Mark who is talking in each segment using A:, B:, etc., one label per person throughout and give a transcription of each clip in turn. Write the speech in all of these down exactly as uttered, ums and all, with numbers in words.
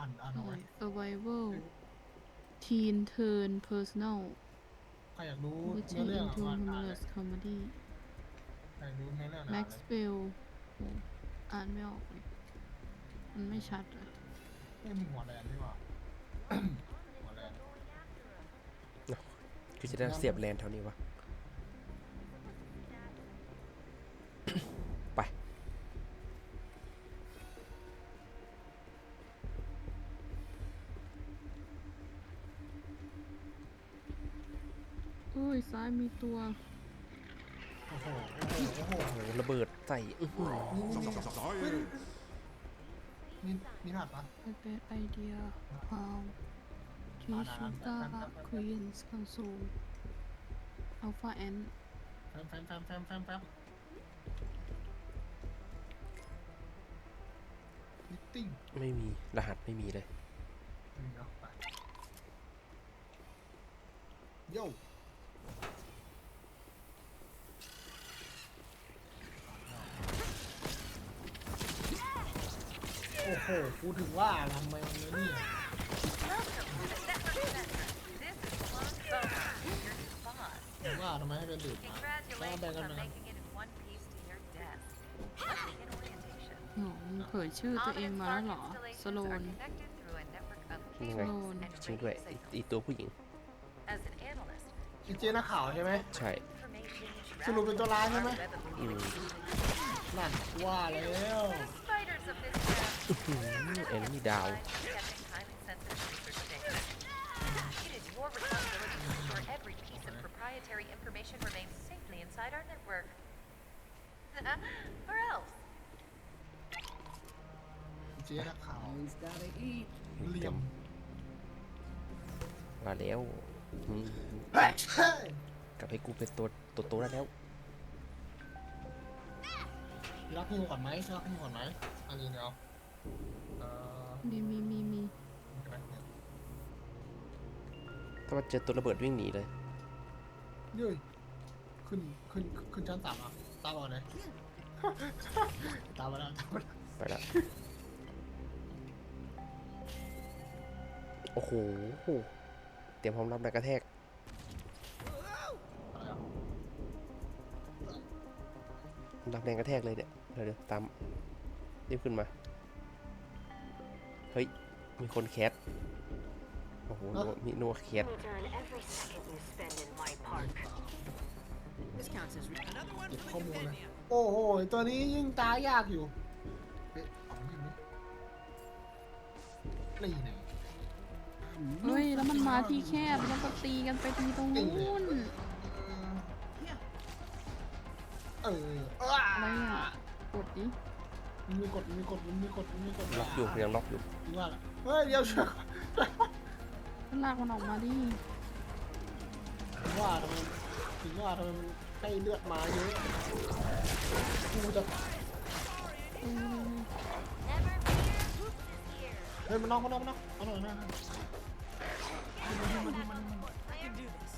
A: อ่านอ่านเอาไว้
B: Survival Teen Turn Personal
A: ใครอยากรู้
B: Witching
A: เนื้อเรื่อง
B: into
A: อ่ะอ่านเลย
B: Humorous Comedy
A: ใครรู้เนื้อเรื่องอ่านเลย
B: Maxwell โอ้อ่านไม่ออกเลยมันไม่ชัดเลย
A: เอ้ยมึงหัวแดงดีกว่า หัวแดง
C: คือจะได้เสียบแลนเท่านี้วะ ไป
B: เอ้ยซ้ายมีตัว
A: โอ้โหโอ้โหโอ้โห
C: โอ้โหระเบิดใส่อื้อหือ
A: มีมีรหัสปะ
B: A bad idea how Tishuta Queens Console Alpha N
A: แฟมแฟมแฟมแฟมแฟมแฟมมิตติ้ง
C: ไม่มีรหัสไม่มีเลย
A: มีเนาะไปโย่โอ้โหกูถึงว่าทำไมมันไม่เนี่ยถึงว่าทำไมให้เป็นดื่มมาแล้วแบ่งกันไหม
B: หนูเผยชื่อตัวเองมาแล้วเหรอ สโลน
C: ยังไง
B: สโลน
C: จริงด้วยอีอีตัวผู้หญิง
A: อีเจนักข่าวใช่ไหม
C: ใช่
A: สรุปเป็นตัวร้ายใช่ไหม
C: อืม
A: นั่นว่าแล้ว
C: เอ็นนี่ดาว
D: Every piece of proprietary information remains safely inside our network. Or else.
A: อีเจนักข่าว
E: Someone's gotta eat.
A: เหลี่ยม
C: มาแล้วอืมกลับให้กูเป็นตัวตัวโตได้แล้ว
A: รักพิมก่อนไหมรักพิมก่อนไหมอันนี้เดี๋ยวเอ่อ
B: มีมีมีมี
A: ใช่ไหมเนี่ย
C: ถ้ามาเจอตัวระเบิดวิ่งหนีเลย
A: เย้ยขึ้นขึ้นขึ้นชั้นสามอ่ะตามก่อนเลย ตามมาแล้วตามมาแล้ว
C: ไปละโอ้โหเตรียมพร้อมรับแรงกระแทกรับแรงกระแทกเลยเนี่ยเดี๋ยวเดี๋ยวตามรีบขึ้นมาเฮ้ยมีคนแคสโอ้โหมีนัวแคส
F: Return every second you spend in my park.
E: This counts as re- another one
A: เก็บ
E: for
A: ข้อ
E: the
A: มูลเลย
E: Companion.
A: โอ้โหตัวนี้ยิ่งตายากอยู่เอ๊ะเอาไม่ไหมนี่ไง
B: เฮ้ย แล้วมันมาที่แคบแล้วก็ตีกันไปทีตรงนู้น
A: เออเออ
B: อะไรอ่ะ กดดิ
A: มันมีกดมันมีกดมันมีกดมันมีกด
C: ล็อกอยู่ยังล็อกอยู่
A: จริงว่าล่ะเฮ้ยเดี๋ยวเชื่อ
B: มันลากมันออกมาดิ
A: ถึงว่าทำไมถึงว่าทำไมมันให้เลือดมาเยอะกูจะ
B: เออ
A: เฮ้ยมันนอกมันนอกมันนอกเอาหน่อยนะ
E: I can do this.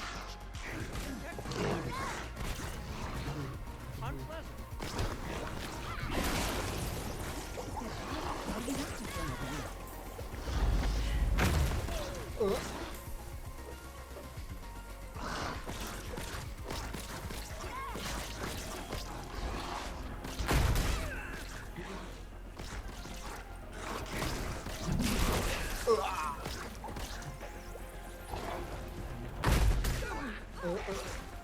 E: Unpleasant.
A: เออเออเออเออ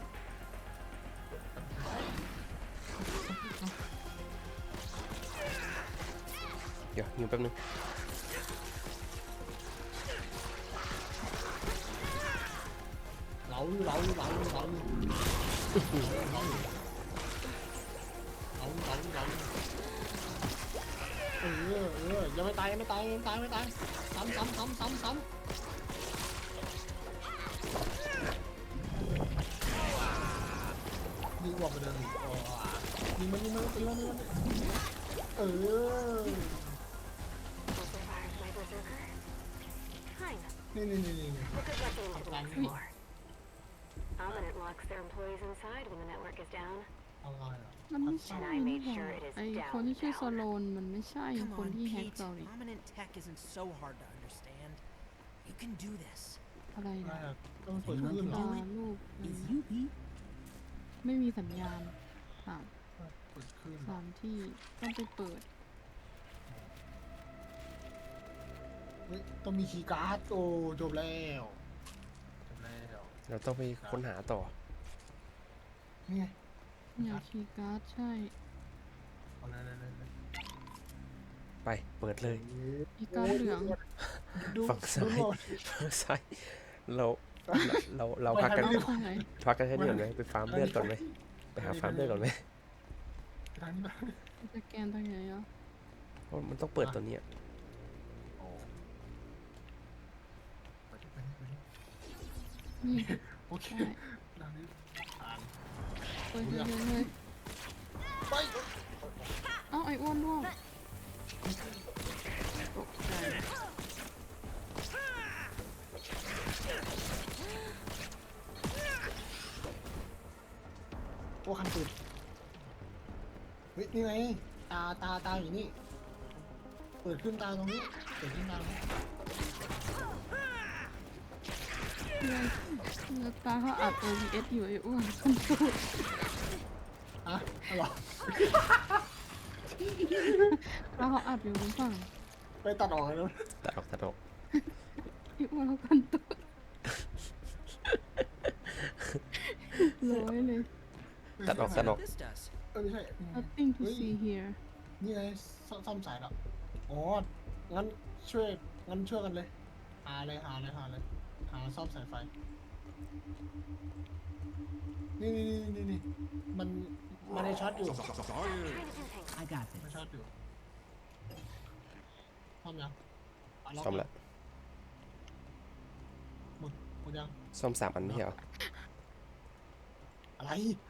C: เดี๋ยวยิงแป๊บนึง
A: เหลาเหลาเหลาเหลาเหลาเหลาเหลาเออเออยังไม่ตายยังไม่ตายยังไม่ตายยังไม่ตายซ้ำซ้ำซ้ำซ้ำซ้ำยิงออกไปเลยอ๋อยิงมันยิงมันตีมันตีมันเออ
F: Amplifiers, my berserker? Kind of.
A: นี่นี่นี่นี่
F: Look at what they
A: Up
F: live
A: on
F: for. Ominent locks their employees inside when the network is down.
A: อะไรอ่ะ
B: มันไม่ใช่
F: And I
B: นี่
F: made
B: หว่า
F: sure it is
B: ไอคนที่ชื่อโซ
F: down,
B: โลนมันไม่ใช่
E: Come
B: คน
E: on,
B: ที่แฮก
E: Pete.
B: เราดิ
E: Prominent tech isn't so hard to understand. You can do this.
B: อะไร
A: ไม่
B: นะ
A: อะต้องเปิดขึ้นเหรอ
B: ตาลูกอะไร
E: It's
B: นะ
E: you, Pete.
B: ไม่มีสัญญาณสาม
A: เปิดขึ้น
B: สามที่ต้องไปเปิด
A: เฮ้ยต้องมีคีย์การ์ดโอ้จบแล้วจบแล้ว
C: เราต้องไปค้นหาต่อ
A: นี่ไง
B: อยากคีย์การ์ดใช่
A: เอาเลยเลยเลยเลย
C: ไปเปิดเลย
B: คีย์การ์ดเหลือง
A: ดู
C: ฝั่งซ้าย
A: ดูหน่อ
C: ฝั่งซ้ายเราเราเราพักกัน
B: เอาไปไหน
C: พักกันแค่นี้ก่อนไหมไปฟาร์มเลือดก่อนไหมไปหาฟาร์มเลือดก่อนไหม
A: ทางนี้มา
B: สแกนตรงไหนอ่ะ
C: เพราะมันต้องเปิดตัวเนี้ย
A: โอ้ไปดิไปดิไปดิ
B: นี่
A: โอเค
B: ใช่
A: ทางนี้ผ่าน
B: เปิดเลยเลย
A: ไป
B: เอ้าไอ้อ้วนร่วงตกใจ
A: โอ้คันตื่นเฮ้ยนี่ไงตาตาตาอยู่นี่เปิดขึ้นตาตรงนี้เปิดขึ้นตาตรงนี้
B: เพื่อนเนื้อตาเขาอัด โอ บี เอส อยู่ไอ้อ้วนคนตูด
A: อ่ะเอาเหรอ
B: ตาเขาอัดอยู่บนฝั่ง
A: ไปตัดออกเลยนะ
C: ตัดออกตัดออก
B: ไอ้อ้วนเขาคนตูดร้อยเลย
C: ตัดออกตัดออก
E: This does.
A: เออไม่ใช่
B: nothing to see here
A: นี่ไงซ่อมซ่อมสายแล้วอ๋องั้นช่วยงั้นช่วยกันเลยหาเลยหาเลยหาเลยหาซ่อมสายไฟนี่นี่นี่นี่นี่มันมันได้ช็อตอยู่
F: trying to do things.
E: I got
A: มัน
E: this.
A: ช็อตอยู่ซ่อมยังะล็ก
C: ซ่อมแล้ว
A: หมดหมดยัง
C: ซ่อมสามอันไม่ใช่เหรอ
A: อะไร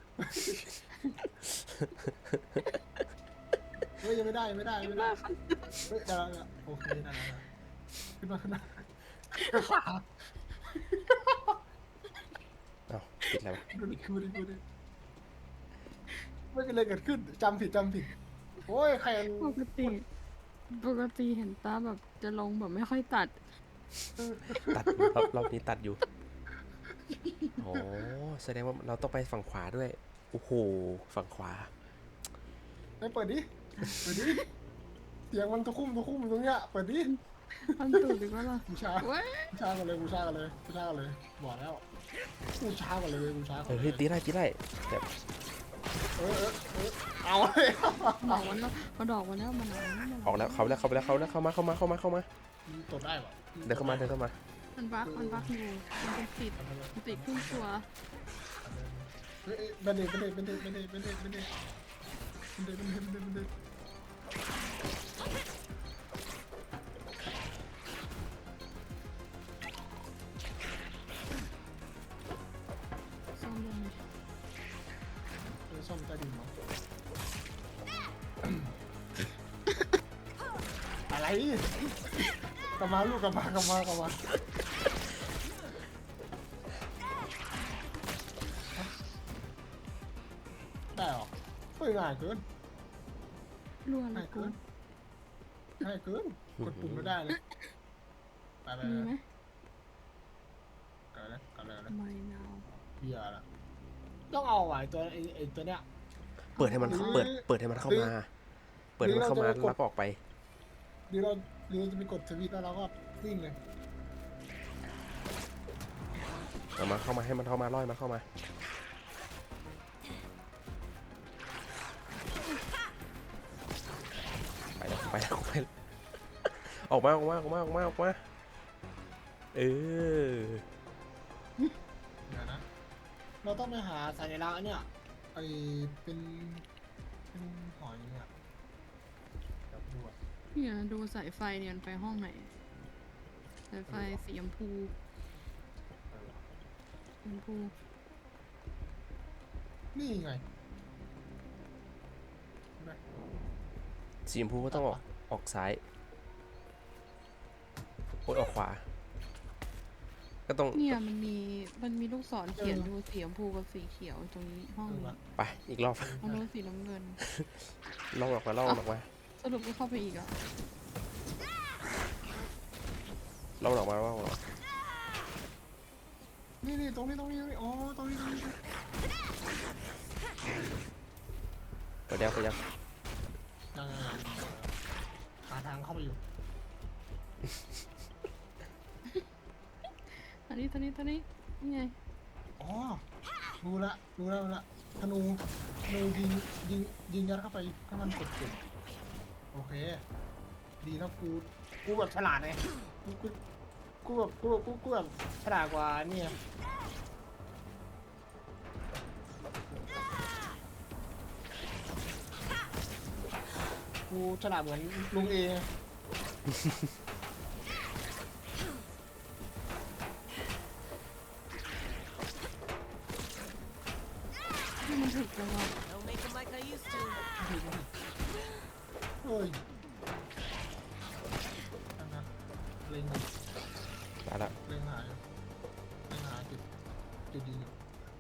A: เฮ้ยยังไม่ได้ยังไม่ได้ยังไม่ได้เฮ้ยได้แล้วได้แล้วโอเคได้แล้วได้แล้วขึ้นมาขึ้นมา
C: เอ้าปิดแล้ว
A: ดูดิดูดิดูดิไม่เป็นไรเกิดขึ้นจำผิดจำผิดโอ้ยใครมัน
B: ปกติ ปกติเห็นตาแบบจะลงแบบไม่ค่อยตัด
C: ตัดรอบรอบนี้ตัดอยู่โอ้แสดงว่าเราต้องไปฝั่งขวาด้วยโอ้โหฝั่งขวา
A: ไปเปิดดิเปิดดิเสียงมันตะคุ่มตะคุ่มตรงเนี้ยเปิดดิ
B: ทำตูดดีกว่าล่ะ
A: บูชา
B: เว้ย
A: บูชากันเลยบูชากันเลยบูชากันเลยบอกแล้วบูชากันเลยบูชากั
C: เอน อ
A: เล
C: เฮ้ย
A: ย
C: ตีได้ตีได้แต่
A: เออเออเออเอาเลย
B: ดอกมันแล้วพอดอกมันแล้วมันหนาว
C: ออกแล้วเขาแล้วเขาไปแล้วเขาแล้วเข้ามาเข้ามาเข้ามาเข้ามา
A: ตดได้ปะ
C: เดินเข้ามาเดินเข้ามา
B: มันบักมันบักอยู่มันเป็นติดมันติดครึ่งตัว
A: เฮ้ยเบนเดตเบนเดตเบนเดตเบนเดตเบนเดตเบนเดตเบนเดตเบนเดตเบนเดตเบนเดต
B: ซ่อมยังไง
A: เออซ่อมใต้ดินมั้งอะไรกลับมาลูกกลับมากลับมากลับมาได้หรอเฮ้ยง่ายเกิน
B: รัวเล
A: ง่าย
B: ยกู
A: เกินง่ายเกินกดปุ่มไม่ได้เลยไปไป
B: มี
A: ไป
B: ไหม
A: กันเลยกันเลยกันเลย
B: ไม่นาว
A: เบียร์ละต้องเอาไอ้ตัวไอ้ไอ้ตัวเนี้ย
C: เปิดให้มันเปิดเปิดให้มันเข้ามา เปิดให้มันเข้ามาแล้วก็ออกไป
A: หรือเราหรือเราจะไปกดสวิตช์แล้วเราก็วิ่งเลย
C: เอามาเข้ามาให้มันเข้ามาล่อยมันเข้ามาไปแล้วไปแล้วไปแล้วออกมาออกมาออกมาออกมาออกมาเออ
A: เดี๋ยวนะเราต้องไปหาสัญลักษณ์อันเนี่ยไอเป็นเป็นหอยเนี่ยเดี๋ยวดูอ่ะ
B: เนี่ยดูสายไฟเนี่ยมันไปห้องไหน สายไฟสีชมพู
A: เออ
B: สีชมพู
A: นี่ไงเห็นไหม
C: สีชมพูก็ต้องออกออกซ้ายโอ้ยออกขวา ก็ก็ต้อง
B: เนี่ยมันมีมันมีลูกศรเขียนดูสีชมพูกับสีเขียวตรงนี้ห้อง
A: เออ
B: นี้
A: วะ
C: ไปอีกรอบ
B: ห้องนู้นสีน้ำเงิน
C: ล่องออกมาล่องออกมา
B: สรุปก็เข้าไปอีกอ่ะ
C: ล่องออกมาล่องออกมา
A: นี่นี่ตรงนี้ตรงนี้ตรงนี้อ๋อตรงนี้ตรงนี้
C: เปิดยังเปิดยัง
A: ยังไงหาทางเข้าไปอยู่
B: อันนี้ตัวนี้ตัวนี้นี่ไง
A: อ๋อรู้ละรู้ละรู้ละธนูธนูยิงยิงยิงยัดเข้าไปให้มันกดจุดโอเค ดีนะกูกูแบบฉลาดไงกูกูกูแบบกูกูกูแบบฉลาดกว่าเนี่ยกูฉลาดเหมือนลุงเอ
B: ที่มันถึกจังวะ
E: Don't make them like I used to.
A: เฮ้ยอันนั้นเล็ง
C: ตายละ
A: เล็งหาอยู่เล็งหาจุดจุดยิงอยู่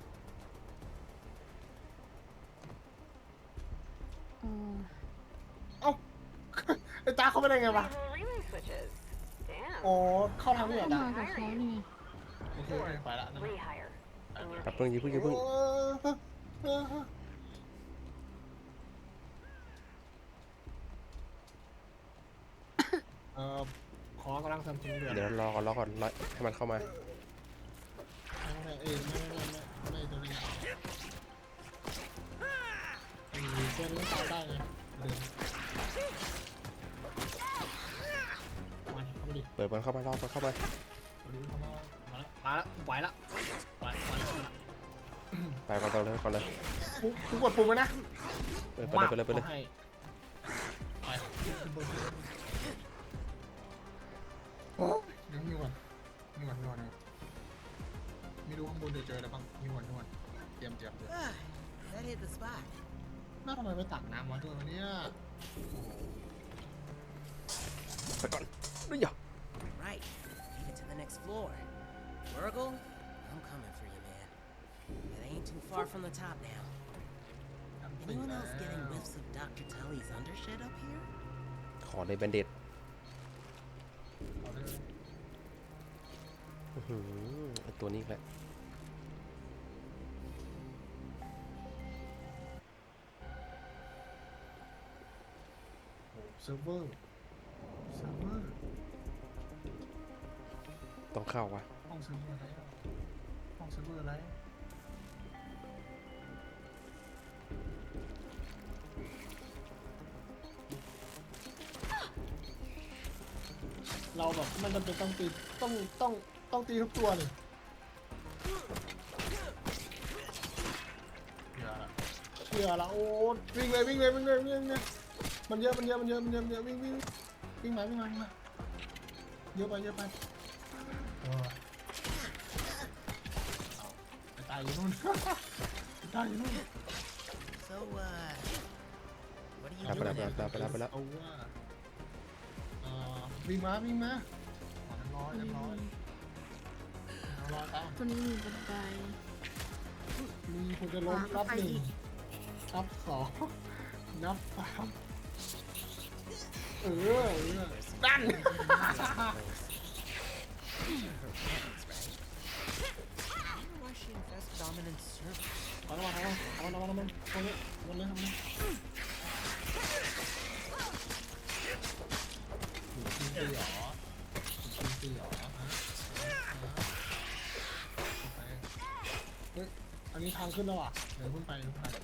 B: เออ
A: เอ้า ไอ้ตาเขาไม่ได้ไงวะ
F: Relay switches. Damn.
A: อ๋อเข้าทางนี้เหร
B: ก็
A: อตา
B: มากับเขานี่ไง
A: โอเคโอเคไปละนะ
F: Rehire. And we're
C: แป๊บนึงอย่าเพิ่งอย่า
A: โอ้
C: เพิ่ง
A: เออเออเออขอกำลังเสริมทีมเดือด
C: เดี๋ยวรอก่อนรอก่อนรอให้มันเข้ามา
A: ไม่ไม่เอ้ยไม่ไม่ไม่ไม่ไม่ตัวนี้ไอ้เส้นนี้ตายได้ไงเดินมาเข้ามาดิ
C: เปิดมันเข้ามารอบมันเข้ามา
A: มาดิเข้ามามาละมาละไหวละไหวไหวละ
C: ไปก่อนต่อเลยก่อนเลย
A: กูกูกดปุ่มไว้นะ
C: เปิดไปเลยไปเลยไปเลย
A: ให้ไปขึ้นบนโอ้ยเดี๋ยวมีวันมีวันมีวันไม่รู้ข้างบนจะเจออะไรบ้างมีวันมีวันเตรียมเตรียมเตรียม
E: Ah, that hit the spot.
A: น่าทำไมไปตักน้ำมาด้วยวะเนี่ย
C: ไปก่อนนี่อย่า
E: Right. Leave it to the next floor. Virgil, I'm coming for you, man. It ain't too far from the top now. Anyone else getting whiffs of Doctor Tully's undershed up here?
C: ขอในแบนเด็ด
A: เอาเลย
C: อื้อหือไอ้ตัวนี้อีกแล้ว
A: โอ้เซิร์ฟเวอร์เซิร์ฟเวอร์
C: ต้องเข้าวะ
A: ห้องเซิร์ฟเวอร์อะไรอะห้องเซิร์ฟเวอร์อะไรเราแบบมันจำเป็นต้องตีต้องต้องต้องตีทุกตัวเลยอย่าละเชื่อละโอ้วิ่งเลยวิ่งเลยวิ่งเลยวิ่งเลยมันเยอะมันเยอะมันเยอะมันเยอะมันเยอะวิ่งวิ่งวิ่งมาวิ่งมาวิ่งมาเยอะไปเยอะไปเออเอาไปตายอยู่นู่น ไปตายอยู่นู่น
E: So, uh, what are you
C: ไปแล้ว
E: doing
C: ไปแล้ว
E: now?
C: ไปแล้วไปแล้ว
A: เอาว่าเอ่อวิ่งมาวิ่งมาขอเรียบร้อยเรียบร้อยเรียบร้อยตาม
B: ตัวนี้มีบันได
A: มีคนจะล้มนับหนึ่งนับสองนับสามเออเออดัน
E: Why she infest dominant servers?
A: เอาละมาเอาละมาเอาละมาตรงนี้ตรงนี้ทำไมกินตีหรอกินตีหรอฮะเฮ้ยอันนี้ทางขึ้นแล้วอ่ะเดี๋ยวขึ้นไปขึ้นไป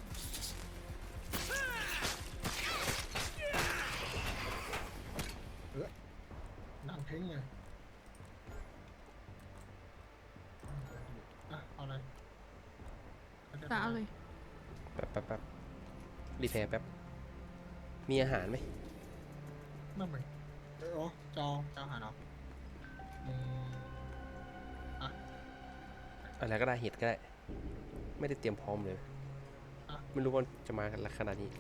A: เออนั่งเพ่งเลยอ่ะเอาเลย
B: ตาเอาเลย
C: แป๊บแป๊บแป๊บรีแพร์แป๊บ มีอาหารไหม
A: นั่นไหมเออจอจอหาเนาะอืมอ่ะ
C: อะไรก็ได้เห็ดก็ได้ ไม่ได้เตรียมพร้อมเลย
A: อ่ะ
C: ไม่รู้ว่าจะมากันขนาดนี้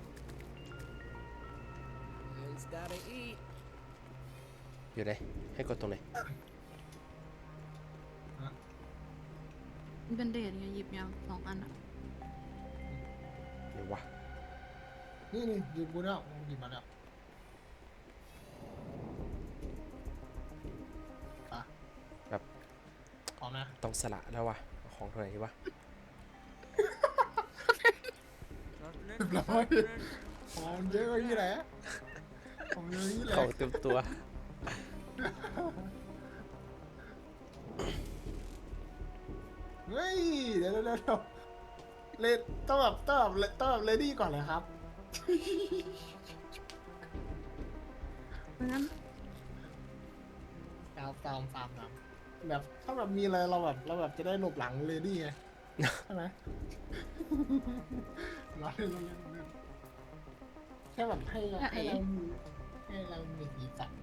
E: It's gotta eat.
C: อยู่ไหน ให้กดตรงไหน
A: อ่ะ
B: เป็นเดทไงหยิบยังสองอันอะ
C: เดี๋ยววะ
A: นี่นี่หยิบกูแล้วหยิบมาแล้วอ่ะ
C: แบบ
A: พร้อมนะ
C: ต้องสละแล้ววะเอาของตัวไหนดีวะ
A: เรียบร้อยของเยอะกว่านี้แหละของเยอะนี่แหละ
C: ของเต็มตัว
A: เฮ้ยเดี๋ยวเดี๋ยวเดี๋ยวเลดต้องแบบต้องแบบต้องแบบเลดี้ก่อนเลยครับ
B: เพราะงั้น
A: ตามตามตามตามแบบถ้าแบบมีอะไรเราแบบเราแบบจะได้หลบหลังเลดี้ไง ใช่ไหม เราเล่นเราเล่นเราเล่นแค่แบบให้ให้เรามีให้เรามีสีสัน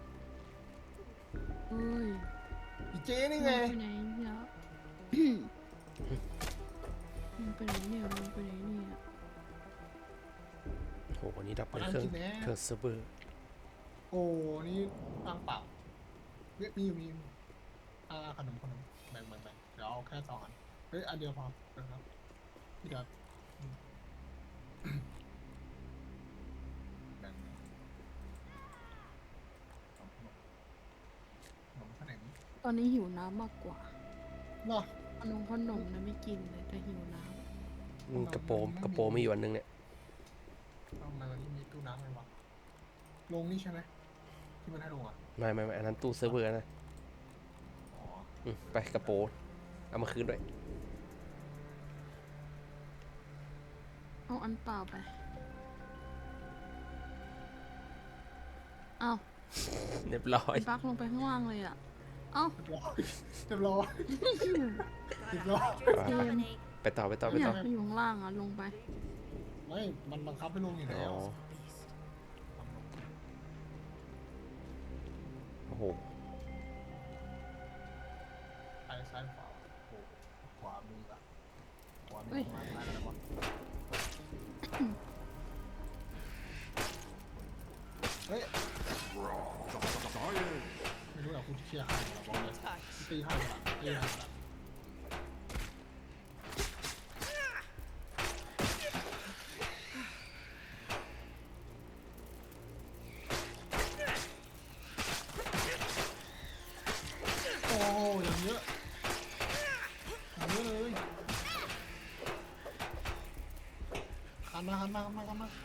B: เอ้ย
A: อีเจนี่ไง
B: มันไปไหนเนี่ยมันไปไหนเนี่ยมันไปไหนเนี่ย
C: โหวันนี้ดับเป็นเครื่องเครื่องเซิร์ฟเวอร์
A: โอ้นี่ตั้งเปล่าเฮ้ยมีอยู่มีอยู่อ่าขนมขนมแบ่งแบ่งแบ่งเดี๋ยวเอาแค่สองอันเฮ้ยอันเดียวพอนะครับพี่ดับอืมแบ่งขนมขนมขนมขนม
B: ตอนนี้หิวน้ำมากกว่า
A: เนาะ
B: ขนมขนมนะไม่กินเลยแต่หิวน้
C: อืมกระโปรงกระโปรงไม่อยู่อันนึงเนี่ย
A: ทำไมวันนี้มีตู้น้ำเลยวะลงนี่ใช่ไหมที่มันให้ลงอ่ะ
C: ไม่ไม่ไม่อันนั้นตู้เซิร์ฟเวอร์นะ
A: อ๋อ
C: อืมไปกระโปรงเอามาคืนด้วย
B: ำเอาอันเปล่าไปเอา
C: เรียบร้อย
B: บักลงไปข้างล่างเลยอ่ะเอ้า
A: เรียบร้อยเรียบร้อยเรียบร้อย
B: เกม
C: ไปต่อไปต่อไป
B: อยา
C: ต่อก
B: ไปอยู่ข้างล่างอ่ะลงไป
A: ไม่มันบังคับให้ลงอยู่
C: อ๋
A: แล้ว
C: อโอ้โห
A: ซ้ายซ้ายขวาโอ้ขวามือละขวามื
B: เฮ้
A: อย มาซ้ายแล้ววะเฮ้ยไม่รู้หรอกคุณเชียร์ใครเหรอบอกเลยตีให้ละตีให้ละโอ้อย่างเยอะอย่างเยอะเลยหันมาหันมาหันมาหันมา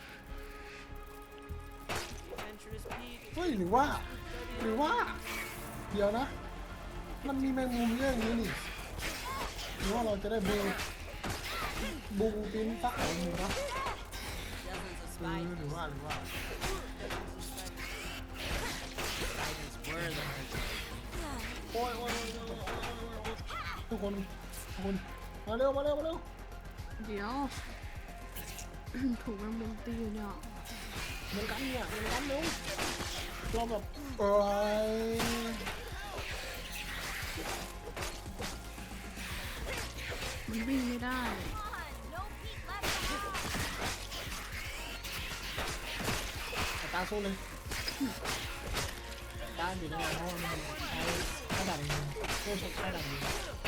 A: เฮ้ยหรือว่า หรือว่า เดี๋ยวนะ มันมีแมงมุมเยอะอย่างนี้นี่หรือว่าเราจะได้บูบูปินสักหนึ่งนะเออหรือว่าหรือว่าโอ้ยโอ้ยโอ้ยโอ้ยโอ้ยทุกคนทุกคนมาเร็วมาเร็วมาเร็ว
B: เดี๋ยว ถูกแมงมุมตีอยู่เนี่ย
A: เหมือนกันเนี่ยเหมือนกันเร็วเราแบบเออ
B: มันวิ่งไม่ได้
A: ตาสู้เลยตาอยู่ในนั้นเพราะมันใช้กระดาษเองโซ่ใช้กระดาษเอง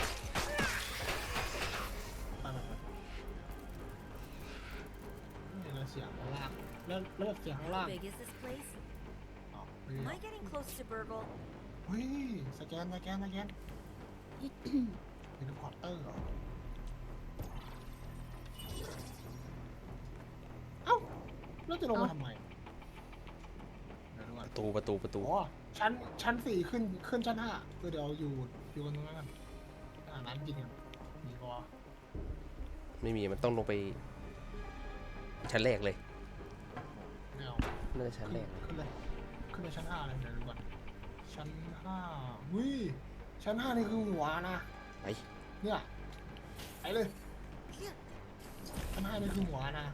A: ไปไปไปนี่เราเสียงข้างล่างแล้วแล้วแบบเสียงข้างล่าง
D: How big is this place?
A: อ๋อเฮ้ย
D: Am I getting close to Burgle?
A: เฮ้ยสแกนสแกนสแกนเป็นพอร์เตอร์เหรอเอ้าแล้วจะลงมาทำไมเดี๋ยวดูก่อน
C: ประตูประตูประตู
A: อ๋อชั้นชั้นสี่ขึ้นขึ้นชั้นห้าเออเดี๋ยวอยู่อยู่กันตรงนั้นกันอ่าน้ำกินกันมีพอ
C: ไม่มีมันต้องลงไปชั้นแรกเลย
A: ไม่เอา
C: น่าจะชั้นแรกเลย
A: ขึ้นเลยขึ้นไปชั้นห้าเลยเดี๋ยวดูก่อนชั้นห้าวิชั้นห้านี่คือหัวนะ
C: ไป
A: เนี่ยไปเลยชั้นห้านี่คือหัวนะ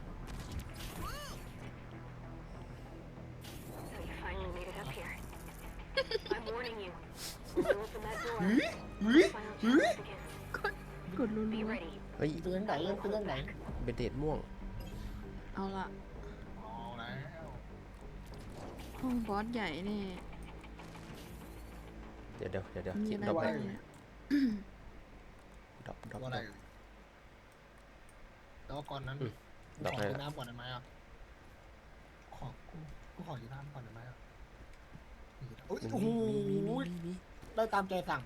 F: So you finally made it up here. I'm warning you. When you open that door,
A: เฮ้ยเฮ้ย
F: final
A: เฮ้ย
F: challenge begins.
B: กดรัว
F: Be ready.
C: เฮ้ย
A: เป็นยังไงเป็นยังไง
C: เบนเดดม่วง
B: ๆเอาละ
A: เอาแล้ว
B: ห้องบอสใหญ่นี่
C: เดี๋ยวเดี๋ยวเดี๋ยวเดี๋ยว
B: มี
C: คิด
B: อะไร
C: ดับ
B: บ้าง
C: แดง
B: เนี่ย
C: ดดรอปดรอป
A: ตัวอะไรเอ่ยแต่ว่าก่อนนั้น
C: อืม
A: กู
C: ดอก
A: ขอ
C: อะไร
A: กิน
C: ล่ะ
A: น้ำก่อนได้ไหมอ่ะขอกูกูขอกินน้ำก่อนได้ไหมอ่ะโอ้ย
C: มี
A: โอ้โห
C: มีมีมีมี
A: ได้ตามใจสั่ง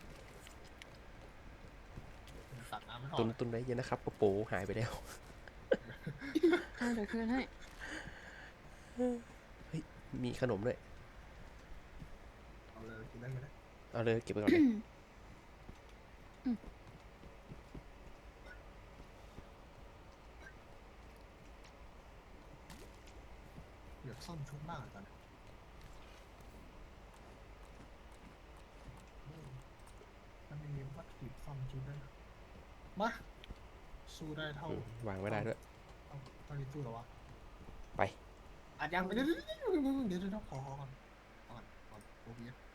A: สั่งน้ำไม่พอ
C: ตุนตุนไว้เยอะนะครับโปโปหายไปแล้ว
B: อ่ะเดี๋ยวคืนให้
C: มีขนมด้วย
A: เอาเลยกินได้ไหมเนี่ย
C: เอาเลยเก็บไปก่อนเลย
A: เดี๋ยวซ่อมชุดมากเลยตอนนี้เออมันไม่มีวัตถุดิบซ่อมชุดด้วยนะมาสู้ได้เท่า
C: อืมวางไม่ได้ด้วย
A: เอาตอนนี้สู้เหรอวะ
C: ไป
A: อาจยังไปเดี๋ยวเดี๋ยวเดี๋ยวเดี๋ยวเดี๋ยวเดี๋ยวขอขอก่อนขอก่อนขอโอเบีย